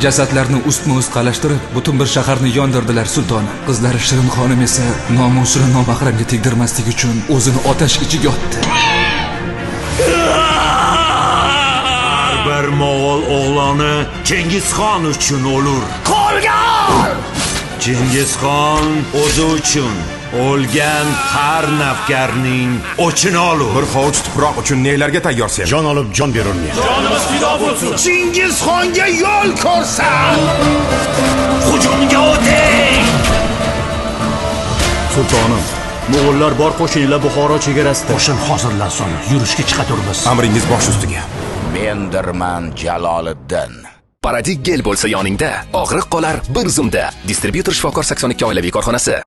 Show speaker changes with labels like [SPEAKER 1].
[SPEAKER 1] Jasadlarni ustma-ust qalashtirib, butun bir shaharni yondirdilar sultonim. Qizlari Shirin xonim esa nomusini nomahramga tegdirmaslik uchun o'zini otash ichiga otdi.
[SPEAKER 2] Bir Mo'g'ul o'g'loni Chingizxon uchun o'lur.
[SPEAKER 3] Qo'lga ol!
[SPEAKER 2] Chingizxon o'zi uchun o'lgan har navkarning o'chini olur.
[SPEAKER 4] Bir hovuch tuproq uchun nelarga tayyorsan?
[SPEAKER 3] Jon olib jon berolmaydi.
[SPEAKER 2] Jonimiz fido bo'lsin.
[SPEAKER 3] Chingizxonga yo'l ko'rsat!
[SPEAKER 2] Hujumga o'ting!
[SPEAKER 5] Sultonim, Mo'g'ullar bor qo'shinlar Buxoro chegarasida.
[SPEAKER 3] Qo'shin hozirlansin, yurishga chiqaturmiz.
[SPEAKER 4] Amringiz bosh ustiga.
[SPEAKER 6] Mendirman Jaloliddin.
[SPEAKER 7] Paradig gel bo'lsa yoningda, og'riq qolar bir zumda. Distributor Shifokor 82 oilaviy korxonasi.